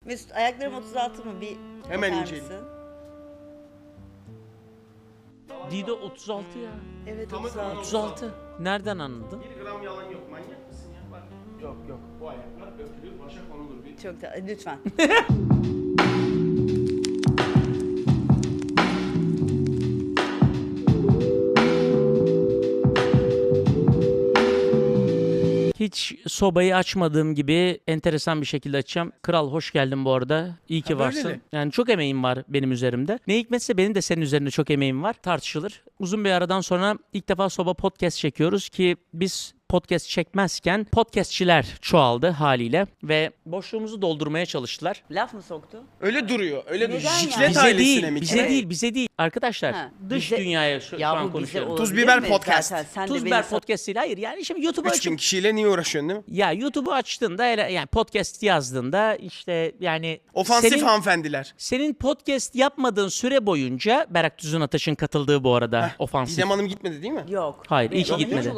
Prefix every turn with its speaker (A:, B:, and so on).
A: Mesut ayaklarım 36 mı? Bir
B: Hemen
A: bakar
B: inceleyin.
A: mısın?
C: Dido 36 ya.
A: Evet
B: Tamam,
A: 36.
C: 36. Nereden anladın?
B: 1 gram yalan yok. Manyak mısın ya? Bak. Yok yok. Bu ayaklar öpülür, başa konulur. Bir
A: Çok da lütfen.
C: Hiç sobayı açmadığım gibi enteresan bir şekilde açacağım. Kral hoş geldin bu arada. İyi ki
B: Ha, böyle
C: varsın.
B: mi?
C: Yani çok emeğim var benim üzerimde. Ne hikmetse benim de senin üzerinde çok emeğim var. Tartışılır. Uzun bir aradan sonra ilk defa soba podcast çekiyoruz ki biz podcast çekmezken podcastçiler çoğaldı haliyle ve boşluğumuzu doldurmaya çalıştılar.
A: Laf mı soktu?
B: öyle duruyor. Öyle
A: Neden
B: duruyor.
A: ya?
B: Jiklet
C: Bize
B: ailesine
C: değil,
B: mi?
C: bize
A: Evet.
C: değil, bize değil. Arkadaşlar
A: Ha,
C: dış
A: bize-
C: dünyaya şu
A: Ya
C: an
A: bu bize
C: konuşuyorum.
A: olabilir
B: Tuz biber
A: mi?
B: podcast.
A: Zaten sen de
C: Tuz
A: beni
C: biber podcast değil. Hayır yani şimdi YouTube'u
B: 3000
C: açıp
B: kişiyle niye uğraşıyorsun değil mi?
C: ya YouTube'u açtığında yani podcast yazdığında işte yani
B: Ofansif hanımefendiler.
C: senin podcast yapmadığın süre boyunca Berrak Tüzün Ataş'ın katıldığı bu arada ofansif.
B: Didem Hanım gitmedi değil mi?
A: Yok.
C: Hayır, iyi ki
A: Yok,
C: gitmedi.
A: hiç